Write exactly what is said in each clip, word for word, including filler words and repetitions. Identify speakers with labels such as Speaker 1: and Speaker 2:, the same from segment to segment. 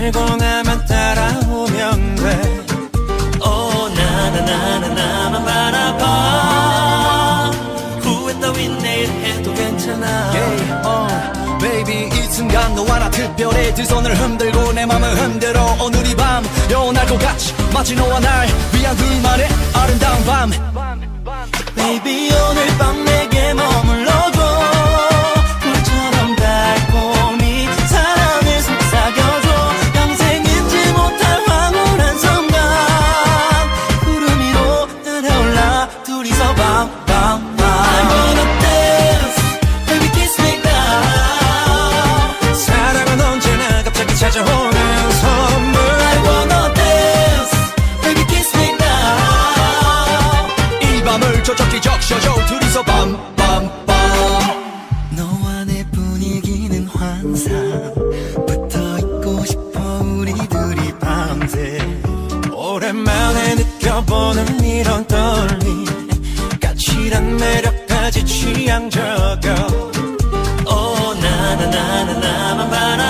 Speaker 1: 알고 나만 따라오면 돼. 오 나나나나 나만 바라봐. 후회 따윈 내일 해도 괜찮아.
Speaker 2: yeah, uh, baby 이 순간 너와 나 특별해. 두 손을 흔들고 내 맘을 흔들어. 오늘 이 밤 영원할 것 같이 마치 너와 날 위한 둘만의 아름다운 밤.
Speaker 1: Baby 오늘 밤 내게 머물러줘. 꿀처럼 달콤히 사랑을 속삭여줘. 평생 잊지 못할 황홀한 순간. 구름 위로 날아올라 둘이서 밤밤밤. I wanna dance, baby kiss me now. 사랑은 언제나 갑자기 찾아오는 선물. I wanna dance, baby kiss me now.
Speaker 2: 이 밤을 촉촉히 적셔줘. 둘이서 밤밤밤.
Speaker 1: 너와 내 분위기는 환상. 붙어있고 싶어 우리 둘이 밤새. 오랜만에 느껴보는 이런 떨림. 까칠한 매력까지 취향 저격. 오 나나나나 나만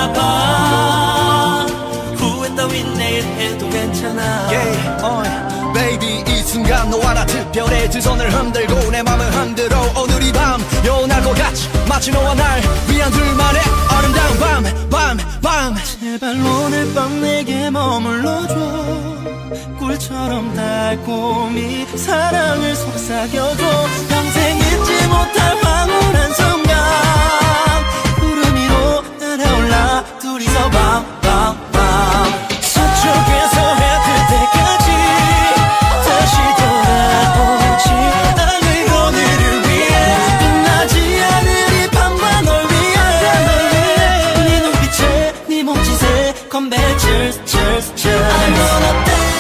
Speaker 1: 바라봐. 후회 따윈 내일 해도 괜찮아.
Speaker 2: yeah, uh, baby 이 순간 너와 나 특별해. 두 손을 흔들고 내 맘을 흔들어. 오늘 이 밤 영원할 것 같이 마치 너와 날 위한 둘만의 아름다운 밤 밤 밤.
Speaker 1: 제발 오늘 밤 내게 머물러줘. 꿀처럼 달콤히 사랑을 속삭여줘. 평생 잊지 못할 황홀한 순간. 구름 위로 날아올라 둘이서 밤밤밤. 서쪽에서 해 뜰 때까지 다시 돌아오지 않을 오늘을 위해. 끝나지 않을 이 밤과 널 위해. 네 눈빛에 네 몸짓에 Come back, cheers, cheers, cheers. I wanna dance.